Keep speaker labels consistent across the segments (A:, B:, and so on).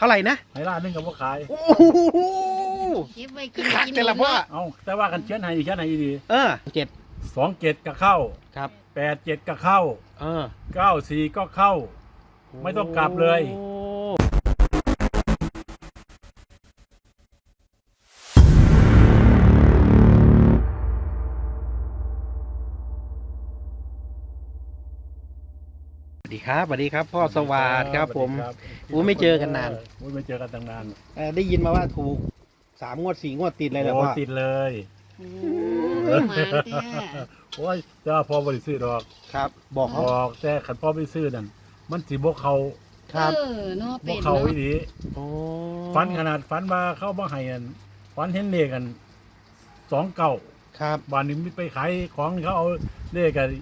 A: เท่าไหร่นะ
B: ให้ล้านหนึงกับว่าขาย
A: โอ้โห
C: เก็บไว้กิน
A: คัก
C: กิน
A: แต่ละพ่อ
B: เอาแต่ว่ากันเชียนให้ดี
A: 7
B: 27ก็เข้า
A: ครับ
B: 87ก็เข้า94ก็เข้า ไม่ต้องกลับเลย
A: โอ้สวัสดีครับสวัสดีครับ พ่อสวัสดิ์ครับผม ไม่เจอกันนาน
B: ไม่เจอกันตั้งนาน
A: ได้ยินมาว่าถูก3 งวด 4 งวดติดเลยเหรอ
B: โอ้
A: พ่อ
B: ติดเลย
C: โอ้หมาแท้
B: โอ้ยเจ้าพ่อบริสุทธิ์ดอก
A: ครับ บอก
B: บ
A: เขา
B: อกแต่ขันพ่อไม่ซื้อนั่นมันสิบกเขา
A: ครับ
C: เนาะ
B: บ
C: เป็
B: ก
C: น
B: เขา
C: เนาะ
B: อีดี
A: โอ้
B: ฟันขนาดฟันมาเข้ามาให้กันฟันเห็นเลขกัน29
A: ครับ
B: บ้านนี้มีไปขายของเขาเอาเลขกัน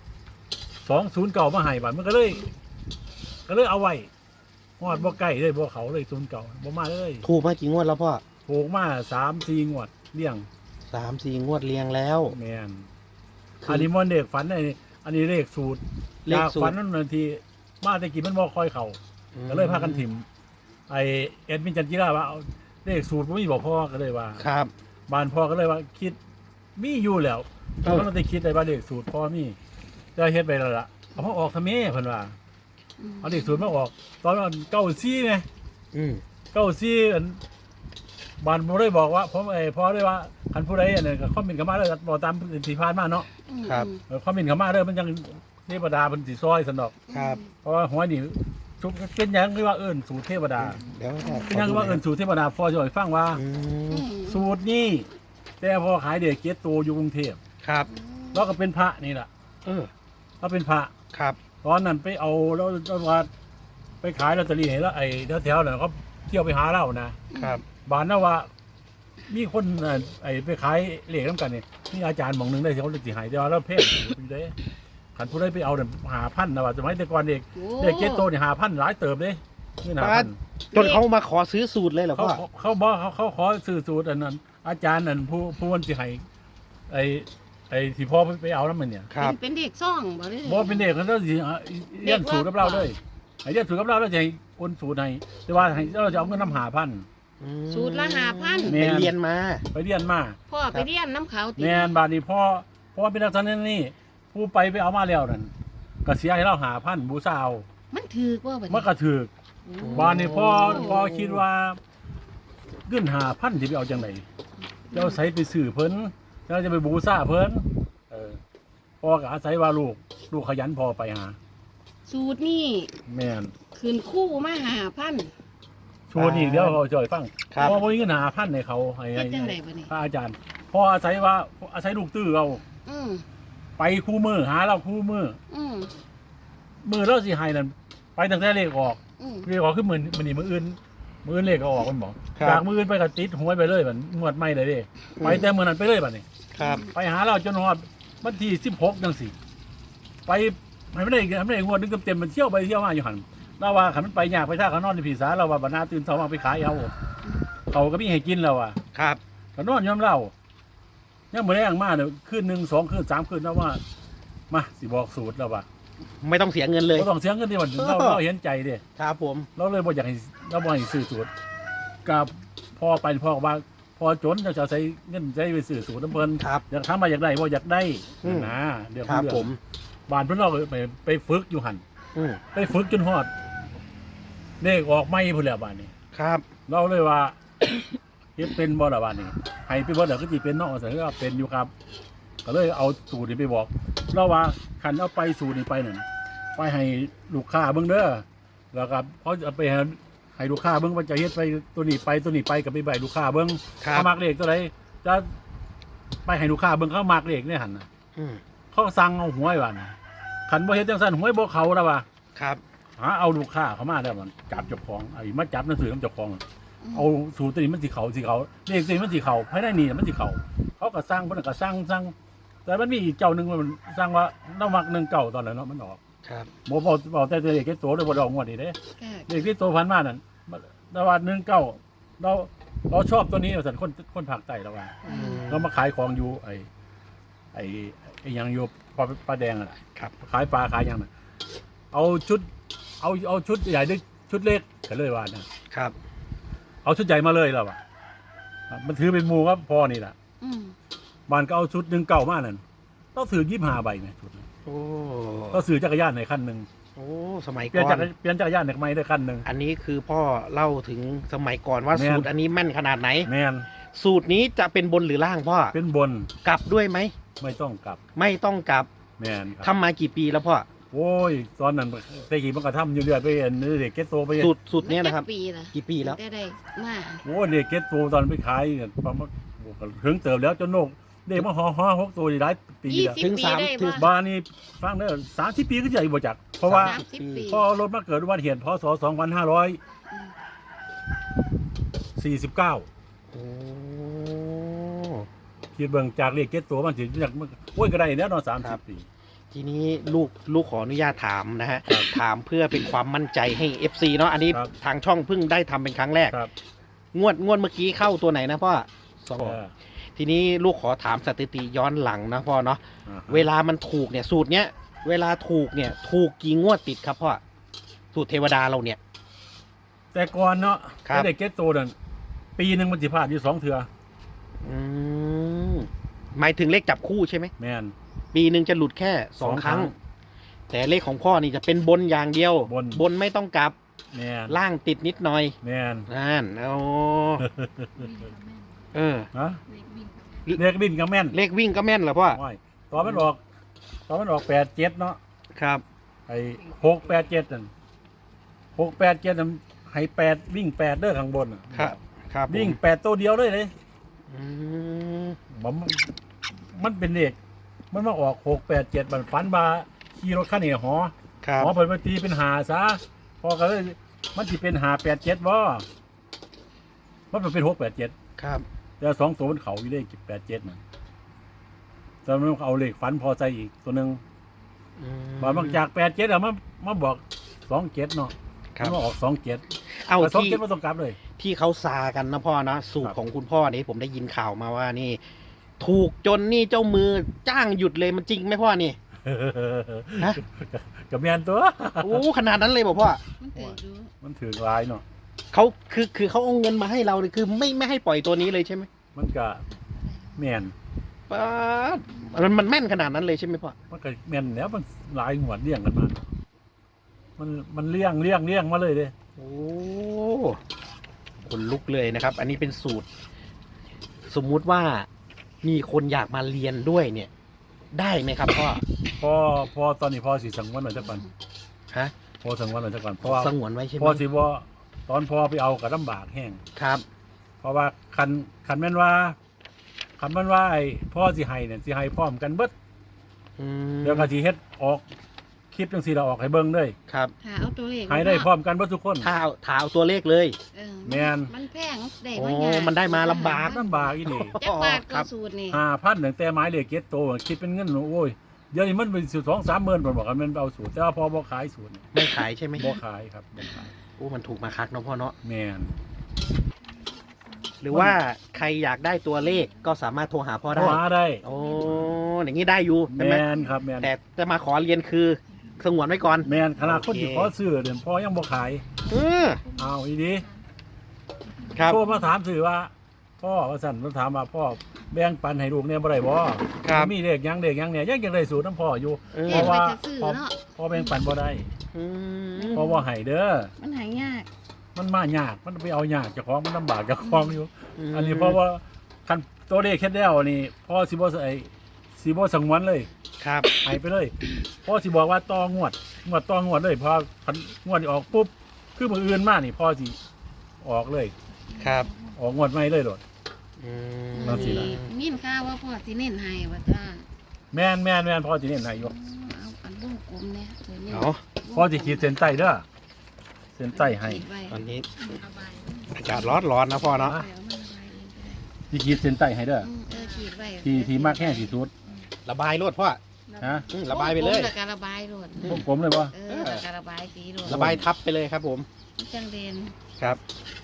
B: 209มาให้บ้านมันก็เลยเอาไว้ฮอดบ่ใกล้เลยบ่เขาเลย09บ่มาเลย
A: ถูกมากี่งวดแล้วพ่อ
B: ถูกมา3-4งวดเลี้ยง
A: 3-4 งวดเรียงแล้ว
B: แม่น
A: คืออั
B: อันนี้มันเลขฝันอันนี้เลขสูตร
A: เลข
B: จาก
A: สูตร
B: ฝันนั่นนาทีมาแต่กี้มันบ่ค่อยเข้าก็เลยพากันถิ่มไอเอ็ดมินจันจิราว่าเอาเลขสูตรบ่มีบอกพ่อก็เลยว่า
A: ครับ
B: บ้านพ่อก็เลยว่าคิดมีอยู่แล้ว
A: เออ
B: มันต้องได้คิดได้ว่าเลขสูตรพ่อมีจะเฮ็ดไปแล้วล่ะเอามาออกทำไมเพิ่นว่าเอาเลขสูตรมาออก ตอนนั้น94ไง
A: อืม
B: 94อันบ้านบ่ได้บอกว่าผมพ่อได้ว่าคันผู้ใดอันนั้นก็คอมเมนต์เข้ามาเลยบอกตามที่ผ่านมาเนาะ
A: ครับ
B: คอมเมนต์เข้ามาเด้อมันยังเทวดาเพิ่นสิซอยซั่นดอก
A: ครับ
B: เพราะว่าหัวนี่ชุบเป็นหยังคือว่าเอิ้นสูตรเทวดา
A: เดี๋ยวพ่อ
B: เป็นหยังคือว่าเอิ้นสูตรเทวดาพ่อจะให้ฟังว่า
A: อืม
B: สูตรนี้แต่พอขายเด็กเก็ตโตอยู่กรุงเทพ
A: ครับ
B: แล้วก็เป็นพระนี่แหละ
A: เออ
B: เราเป็นพระ
A: ครับ
B: ตอนนั้นไปเอาแล้วว่าไปขายลอตเตอรี่ให้แล้วไอ้แถวๆนั้นเขาเที่ยวไปหาเรานะครับ บานน่ะว่า มีคนไอ้ไปขายเหล็กน้ำกันนี่มีอาจารย์หมองหนึงได้เขาเลยสิใหายเดียวแล้วเพ่งอยู่เด้ขันผู้ใดไปเอาเนี่ย5,000นะว่าสมัยแต่ก่อนเด็กเด็กเก็ตโตนี่5,000หลายเติบเด้นี่5,000
A: จนเขามาขอซื้อสูตรเลยเหรอ
B: เขา
A: พ่อ
B: เขาบอกเขาขอสื่อสูตรอันนั้น อาจารย์นั่นผู้วันสิให้ไอ้ที่พ่อไปเอาแล้วมันเนี่ย
A: ครับ
C: เป็นเด็กซ่องบ่ได้
B: บอกเป็นเด็กเขาต้องสิเรียนสูตรกับเราเลยให้เรียนสูตรกับเราแล้วจะให้คนสูตรให้แต่ว่าให้เราจะเอาเงินน้ำ5,000
C: สูตรละ5,000
B: แม่
A: ไปเรียนมา
B: ไปเรียนมา
C: พ่อไปเรียนน้ำเขาติ
B: แม่นบาดนี้พ่อเป็นนักสันนี่ผู้ไปเอามาแล้วนั่นก็เสียให้เรา5,000บูซาเอา
C: มันถือว่าบัด
B: มันก็ถือบ้านนี้พ่อคิดว่าเงิน5,000ที่ไปเอาจังไหนจะเอาใส่ไปซื้อเพิ่นเราจะไปบูซาเพิ่นพ่อก็อาศัยว่าลูกขยันพอไปหา
C: สูตรนี่
B: แม่น
C: ขึ้นคู่มา5,000
B: ชวนอีกเดี๋ยวเขาจะให้ฟัง
A: ครับ
B: พ่อบ่มีเงิน5,000ให้เขาให้
C: เฮ็ดจังไดบัดนี้
B: พระอาจารย์พ่ออาศัยลูกตื้อเรา
C: อืม
B: ไปคู่มือหาเราคู่มือ
C: อืม
B: มือเราสิให้นั่นไปตั้งแต่เลขออก
C: อืม
B: เลขออกคือมือนี่มืออื่นเลขก็ออกมันบอก
A: ครับ
B: จากมืออื่นไปก็ติดหวยไปเลยมันงวดใหม่เลยเด้ไปแต่มือนั้นไปเลยบัดนี้
A: ครับ
B: ไปหาเราจนฮอดวันที่16จังซี่ไปให้ไม่ได้งวดนึงเต็มๆมันเที่ยวไปเที่ยวมาอยู่หั่นเราว่าคันมันไปยากไปท่าเขานอนในผีสาเราว่าบัดหน้าตื่นเช้ามาไปขายเอาเขาก็มีให้กินแล้วว่ะ
A: ครับ
B: ก็นอนยอมเล่ายังบ่ได้อย่างมากเนี่ยคืน1 2คืน3คืนแล้วว่ามาสิบอกสูตรแล้วว่ะ
A: ไม่ต้องเสียเงินเลย
B: บ่ต้องเสียเงินที่มันเราเห็นใจเด้
A: ครับผม
B: เราเลยบ่อยากให้เราบ่ให้ซื้อสูตรกับพ่อไปพ่อก็ว่าพอจนจะใช้เงินใช้ไปซื้อสูตรน้ำเพิ่น
A: ครับ
B: อยากทำมาอยากได้บ่อยากได้
A: อืม
B: นะเดี๋ยว
A: ครับ
B: เรื่อง
A: ผม
B: บ้านเพิ่นเราไปฝึกอยู่หั่น
A: อืม
B: ไปฝึกจนฮอดเลขออกใหม่พุ่นแล้วบ้านนี้
A: ครับ
B: เราเลยว่า เฮ็ดเป็นบ่ล่ะบ้านนี้ให้ไปบ่แล้วก็สิเป็นเนาะแต่ก็เป็นอยู่ครับ ก็เลยเอาสูตรนี้ไปบอกเราว่าคันเอาไปสูตรนี้ไปนั่นไปให้ลูกค้าเบิ่งเด้อแล้วก็เขาจะไปให้ลูกค้าเบิ่งว่าจะเฮ็ดไปตัวนี้ไปกับไปใบลูกค้าเบิ่ง
A: ครับ
B: เขามักเลขตัวใดจะไปให้ลูกค้าเบิ่งเขามักเลขเนี่ยหั่นน่ะ
A: อืม
B: เขาสั่งเอาหวยว่าน่ะคันบ่เฮ็ดจังซั่นหวยบ่เข้าแล้วว่า
A: ครับ
B: หาเอาลูกค้าเข้ามาแล้วมันจับเจ้าของไอ้มาจับหนังสือนำเจ้าของ เอาสูตรตัวนี้มันสิเขาเลขตัวนี้มันสิเขาภายในนี่มันสิเขาเขาก็สร้างเพิ่นก็สร้างแต่มันมีอีกเจ้าหนึงมันสร้างว่าเรามัก19ตอนนั้นเนาะมันออก
A: ครับ
B: บ่บอกแต่เลขที่โตเลยบ่ได้ออกงวดนี้เด้
C: ค่ะ
B: เลขที่โตพันมานั่นแต่ว่า19เราชอบตัวนี้ว่าซั่นคนภาคใต้แล้วว่า
A: อืม
B: เรามาขายของอยู่ไอ้หยังอยู่ปลาแดงอ่ะ
A: ครับ
B: ขายปลาขายหยังน่ะเอาชุดใหญ่ด้วยชุดเล็กก็เลยว่านะ
A: ครับ
B: เอาชุดใหญ่มาเลยแล้วอ่ะมันถือเป็นหมูครับพอนี่แหละ
C: อืม
B: บ้านก็เอาชุดหนึ่งเก่ามานั่นต้องซื้อ25 ใบไหมชุดนั้น
A: โอ้
B: ต้องซื้อจักรยานในคันหนึ่ง
A: โอ้สมัย
B: เปลี่ยน
A: ก่อน
B: เปลี่ยนจักรยานในไม่ได้คันหนึ่ง
A: อันนี้คือพ่อเล่าถึงสมัยก่อนว่า
B: แม่น
A: สูตรอันนี้แม่นขนาดไหน
B: แมน
A: สูตรนี้จะเป็นบนหรือล่างพ่อ
B: เป็นบน
A: กลับด้วยไหม
B: ไม่ต้องกลับ
A: ไม่ต้องกลับ
B: แมนครับ
A: ทำมากี่ปีแล้วพ่อ
B: โอ้ยตอนนั้นแต่กี่มันก็ทำอยู่เรื่อยไปเห็นเด็กเก็ตโตไปเห็น
A: สูตรเนี้ยนะครับ
C: มัจักปีล่ะ
A: กี่ปีแล้ว
C: ได้มา
B: โอ้เด็กเก็ตโตตอนไปขายเนี่ยประมาณถึงเติบแล้วจนโนกเด็กมาห่อ6 ตัวได้ปีแล้ว
A: ถึง
C: 20
A: สาม
C: ปีได้
A: ถึง
C: บ่
B: บ้านนี่ฟังเด้อ30 ปีก็ใหญ่บ่จักเพราะว่า
C: 30 ปี
B: พอรถมาเกิดอุบัติเหตุพศ 2549
A: โอ้
B: คิดเบิ่งจากเลขเก็ตโตมันสิจากโอ้ยก็ได้แล้วเนาะ30 ปี
A: ทีนี้ลูกขออนุญาตถามนะฮะ ถามเพื่อเป็นความมั่นใจให้ FC เนาะอันนี้
B: ครับ
A: ทางช่องเพิ่งได้ทำเป็นครั้งแรก
B: ครับ
A: งวดเมื่อกี้เข้าตัวไหนนะพ่อสอง
B: เออ
A: ทีนี้ลูกขอถามสถิติย้อนหลังนะพ่อเนาะ
B: อ่าฮะ
A: เวลามันถูกเนี่ยสูตรเนี้ยเวลาถูกเนี่ยถูกกี่งวดติดครับพ่อสูตรเทวดาเราเนี่ย
B: แต่ก่อนเนาะ
A: ครับ
B: ไอ้เด็กเก็ตโตนั่นปีหนึงมันสิพลาดอยู่2 เทื่อ
A: อืมหมายถึงเลขจับคู่ใช่ไหม
B: แม่น
A: ปีหนึ่งจะหลุดแค่สองครั้ง แต่เลขของพ่อนี่จะเป็นบนอย่างเดียว
B: บน
A: ไม่ต้องกลับ
B: แม่น
A: ล่างติดนิดหน่อย
B: แม่น
A: นั่นโอ้เออ
B: ฮะเรียกบินก็แม่น
A: เลขวิ่งก็แม่นเหรอพ่อ
B: โอ้ยตอนมันออก87เนาะ
A: ครับ
B: ไอ้687นั่น687นั่นให้8วิ่ง8เด้อข้างบนน่ะ
A: ครับครับผม
B: วิ่ง8ตัวเดียวเลย
A: อืม
B: มันเป็นเลขมันมาออก687มันฝันว่าขี่รถคันนี้หอ
A: ครับ
B: หอเพิ่นมาตีเป็นหาซะพอก็เลยมันสิเป็น587บ่มันเป็น687
A: ครับ
B: แต่2ตัวมันเขาอยู่เลข87น่ะแต่มันเอาเลขฝันพอใจอีกตัวหนึง
A: อื
B: บางจาก87อ่ะมาบอก27เนาะ
A: ครับ
B: มันมาออก27
A: เอา
B: แต่
A: ที่
B: 27บ่ต้องกลับเลย
A: ที่เขาซากันนะพ่อนะสูต
B: ค
A: ร
B: รับ
A: ของคุณพ่อนี่ผมได้ยินข่าวมาว่านี่ ถูกจนนี่เจ้ามือจ้างหยุดเลยมันจริงไหมพ่อนี่ ฮะ
B: กับแม่นตัว
A: โอ้ขนาดนั้นเลยบอกพ่อ
C: มันเตะดู
B: มันถือหลายเนาะ
A: เขาคือเขาเอาเงินมาให้เราเลยคือไม่ให้ปล่อยตัวนี้เลยใช่ไหม
B: มันก็แม่น
A: ป๊าดมันแม่นขนาดนั้นเลยใช่ไหมพ่อ
B: มันก็แม่นแล้วมันหลายงวดเลี้ยงกันมามันเลี้ยงมาเลยเด้
A: โอ้คนลุกเลยนะครับ อันนี้เป็นสูตร สมมุติว่ามีคนอยากมาเรียนด้วยเนี่ย ได้ไหมครับพ่อ
B: พอตอนนี้พอสิสังวนไว้จักก่อน
A: ฮะ
B: พอสังวนไว้จักก่อนเพราะว่า
A: สงวนไว้ใช่ไหม
B: พอสิบ่ตอนพอไปเอาก็ลำบากแห้ง
A: ครับ
B: เพราะว่าคันแม่นว่าไอ้พ่อสิให้เนี่ยสิให้พร้อมกันเบิด
A: อืม
B: เดี๋ยวก็สิเฮ็ดออกคลิปจังซี่เราออกให้เบิ่งเลย
A: ครับ
C: หาเอาตัวเลข
B: ให้ได้พร้อมกันเบิดทุกคน
A: ถ้าเอาตัวเลขเลย
C: เออ
B: แม่น
C: มันแพงได้
A: โอ้
C: บ่ยาก
A: มันได้มาลำบาก
B: ลำบากอีนี่
C: จักบาท
A: ครั
C: ก็
A: บ
C: สูตรนี่
B: 5,000ตั้งแต่ไม้เหล็กเก็ตโตคิดเป็นเงินโอ้ยเดี๋ยวนี้มันเป็น2-3 หมื่นผมบอกกันมันเอาสูตรแต่ว่าพอบ่ขายสูตร
A: ไม่ขายใช่ไหม
B: บ่ขายครับบ่ขาย
A: โอ้มันถูกมาคักเนาะพ่อเนาะ
B: แม่น
A: หรือว่าใครอยากได้ตัวเลขก็สามารถโทรหาพ่อ
B: โทร
A: ได้
B: หาได้
A: โอ้อย่างนี้ได้อยู่ใช่ไหม
B: แม่นครับแม่น
A: แต่จะมาขอเรียนคือสงวนไว้ก่อน
B: แม่นขนาดคน
A: โอเค
B: ที่ขอซื้อเดี๋ยวพอยังบ่ขาย
A: เออ
B: เอาอีดี
A: ครับ
B: โทรมาถามสื่อว่าพ่อว่าสั่นมาถามว่าพ่อแบ่งปันให้ลูกเนี่ยบ่ได้บ่
A: ครับ
B: มีเลขหยังเนี่ยยังได้สูตรน้ำพ่ออยู่
A: เออ
C: เรียนไปจะซื้อเนาะ
B: พ่อแบ่งปันบ่ได้
A: อืม
B: พ่อบ่ให้เด้อ
C: มันหายาก
B: มันมายากมันไปเอายากเจ้าของมันลำบากเจ้าของอยู่ อันนี้เพราะว่าคันตัวเลขเฮ็ดแล้วนี่พ่อสิบ่สังวนเลย
A: ครับ
B: ให้ไปเลยพ่อสิบอกว่าต่องวดต่องวดเลยพอคันงวดนี้ออกปุ๊บคือมื้ออื่นมานี่พ่อสิออกเลย
A: ครับ
B: ออกงวดใหม่เลยโดด
A: อืม
B: นั่นสิล่ะ
C: มีนข่าวว่าพ่อสิเน้นให้ว่าจ้า
B: แม่นพ่อสิเน้นให้อยู่
C: เอาอันวงกลมเนี่ยตัวนี้
A: เอา
B: พ่อสิขีดเส้นใต้เด้อเส้นใต้ให้
C: ขีดไว้
A: ตอนนี้
C: ระบาย
A: อากาศร้อนนะพ่อเนาะ
C: เอามันระบายเองก็ได้
B: สิขีดเส้นใต้ให้เด้อ
C: ขีดไว้
B: ที่มากแห้งที่สุด
A: ระบายรวดพ่อ
B: ฮะ
A: ระบายไปเลย
C: แล้วก็ระบายโลด
B: พวกผมเลยบ่
C: แล้วก็ระบายสีโลด
A: ระบายทับไปเลยครับผม
C: จังเด่น
A: ครับ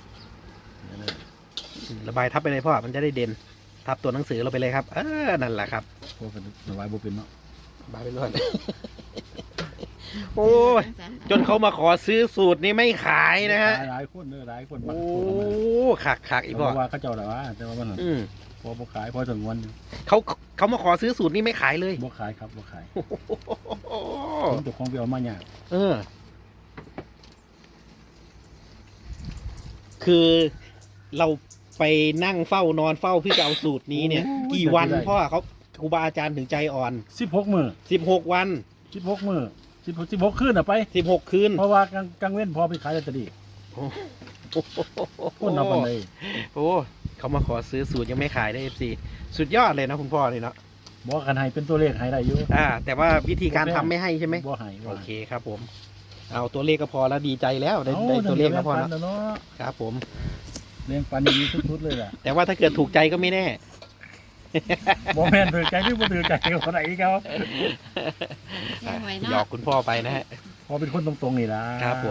A: ระบายทับไปเลยพ่อมันจะได้เด่น ทับตัวหนังสือเราไปเลยครับ นั่นแหละครับ
B: พวกระบายบ่เป็นเนาะ
A: ระบายไปรวดโอ้ยจนเขามาขอซื้อสูตรนี้ไม่ขายนะฮะ
B: หลายคนเด้อหลายคนมา
A: โอ้ขักอีก
B: เพ
A: พ่อ
B: ราะว่าเขาเจ้าแต่ว่าแต่ว่ามัน
A: อืม
B: พอบ่ขายพอถึงวัน
A: เขามาขอซื้อสูตรนี้ไม่ขายเลย
B: บ่ขายครับบ่ขาย
A: โอ้
B: ผมเจ้าของไปเอามาเนี่ยาก
A: เออ คือเราไปนั่งเฝ้านอนเฝ้าเพื่อจะเอาสูตรนี้เนี่ย กี่วันพ่อเขาครูบาอาจารย์ถึงใจอ่อน
B: 16มื้อ
A: 16 วัน
B: 16มื้อ16คืนน่ะไป
A: 16 คืน
B: เพราะว่ากลางเว้นพอไปขายลอตเตอรี่คนเอาปานใด
A: โอ้เขามาขอซื้อสูตรยังไม่ขายได้ FC สุดยอดเลยนะคุณพ่อเลยเนาะ
B: บ่กันให้เป็นตัวเลขให้ได้อยู่
A: แต่ว่าวิธีการทำไม่ให้ใช่ไหม
B: บ่ให้
A: โอเคครับผม เอาตัวเลขก็พอแล้วดีใจแล้วได้ตัวเลขก็พอแล้ว
B: เนาะ
A: ครับผม
B: เลี้ยงปันดีสุดๆเลยล่ะ
A: แต่ว่าถ้าเกิดถูกใจก็ไม่แน่
B: บ่แม่นถือใจหรือบ่ถือใจคนไหนเขา
C: ยังไว้
A: หย
C: เนาะ
A: อกคุณพ่อไปนะฮะ
B: พอเป็นคนตรงๆนี่ล่ะ
A: ครับผม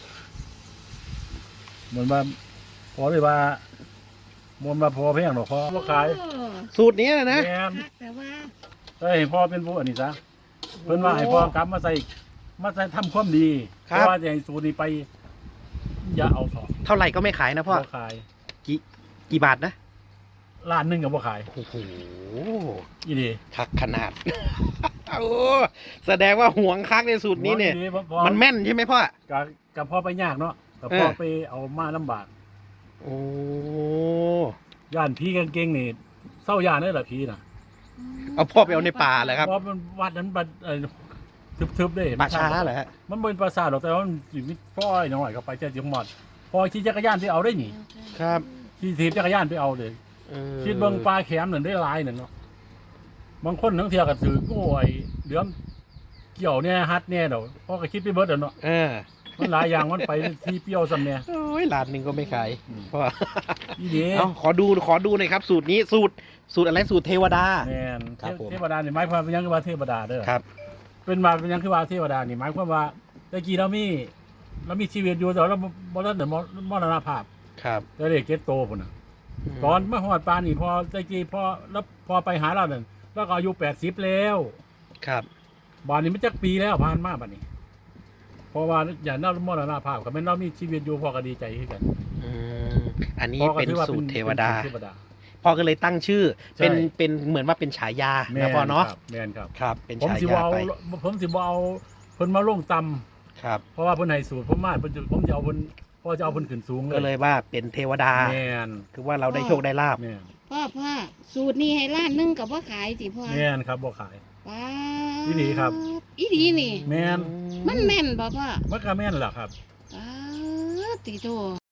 B: เหมือนว่าพอเลยว่าพอเพียงหรอกพอบ่ขาย
C: โอ้
A: สูตรนี้นะ
B: แม่น
C: คักแต่ว่า
B: เอ้ยพ่อเป็นผู้อันนี้ซะเพิ่นว่าให้พ่อกลับมาใส่ทำความดี
A: ครับ
B: เพราะว่าจะให้สูตรนี้ไป อย่าเอาสอง
A: เท่าไหร่ก็ไม่ขายนะพ่อ
B: บ่ขาย
A: กี่บาทนะ
B: ล้านหนึงก็บ่ขาย
A: โอ้โห
B: อีนี่
A: คักขนาด โอ้แสดงว่าห่วงคักในสูตรนี้เนี่ย
B: อีพอ
A: มันแม่นใช่ไหมพ่อ
B: กับพ่อไปยากเนาะกับพ่อ
A: เออ
B: ไปเอามาลำบาก
A: โอ้
B: ย่านผีเก่งๆนี่เศร้าย่านได้อล่ะผีน่ะ
A: เอาพ่อไปเอาในป่าเหรอครับ
B: เพราะมันวัดนั้นบัดทึบๆเด้
A: ป่าช้าเหรอฮะ
B: มันเป็นปราสาทหรอกแต่ว่ามันสิมีฟ้อยหน่อยเข้าไปเจะจิหมดพอขี่จักรยานไปเอาได้นี่
A: ครับ
B: ขี่ถีบจักรยานไปเอาเลย
A: เออ
B: คิดเบิ่งปลาแขมนั่นได้หลายนั่นเนาะบางคนทั้งเที่ยวก็ถือโอ้ยเดือมเกี่ยวเนี่ยฮัดเนี่ยเดี๋ยวพ่อก็คิดไปเบิดเนาะ
A: เออ
B: มันหลายอย่างมันไปที่เปรี้ยวซำเนี่ย
A: โอ้ยล้านหนึ่งก็ไม่ขาย
B: อืม
A: พ่อ
B: อีเดี
A: เอาขอดูหน่อยครับ สูตรนี้สูตรอะไรสูตรเทวดา
B: แม่น
A: ครับผม
B: เทวดานี่หมายความเป็นหยังคือว่าเทวดาเด้อ
A: ครับ
B: เป็นมาเป็นหยังคือว่าเทวดานี่หมายความว่าตะกี้เรามีชีวิตอยู่แต่เราบ่ทันได้มรณภาพ
A: ครับ
B: แต่เด็กเก็ตโตพุ่นน่ะตอนมาฮอดปานนี่พอตะกี้พอไปหาเรานั่นแล้วก็อายุ80แล้ว
A: ครับ
B: บ้านนี้มันจักปีแล้วผ่านมาบัดนี้ เพราะว่าอย่างเรามรณภาพก็แม่นเรามีชีวิตอยู่พ่อก็ดีใจคือกัน
A: อืมอันนี้
B: พ่อก็
A: เป็น
B: ถือว่า
A: สูตรเทวดา
B: ป็นสูตรเทวดา
A: พ่อก็เลยตั้งชื่อ
B: ใช่
A: เป็นเหมือนว่าเป็นฉายานะพ่อเนาะ
B: ครับแม่นครับ
A: ครับ เป็น
B: ผม
A: ฉา
B: สิบ่
A: ยา
B: เอา
A: ไป
B: ผมสิบ่เอาเพิ่นมาลงต่ำ
A: ครับ
B: เพราะว่าเพิ่นให้สูตรผมมาผมจะเอาเพิ่นพ่อจะเอาเพิ่นขึ้นสูง
A: ก็เลยว่าเป็นเทวดา
B: แม่น
A: คือว่าเราได้โชคได้ลาบ
B: แม่น
C: พ่อสูตรนี้ให้ล้านหนึงกับว่าขายสิพ่อ
B: แม่นครับบ่ขาย
C: ป้า
B: อีหลีครับ
C: อีหลีนี่
B: แม่น
C: มันแม่นบ่พ่อ
B: มันก็แม่นล่ะครับ
C: ป้าติโต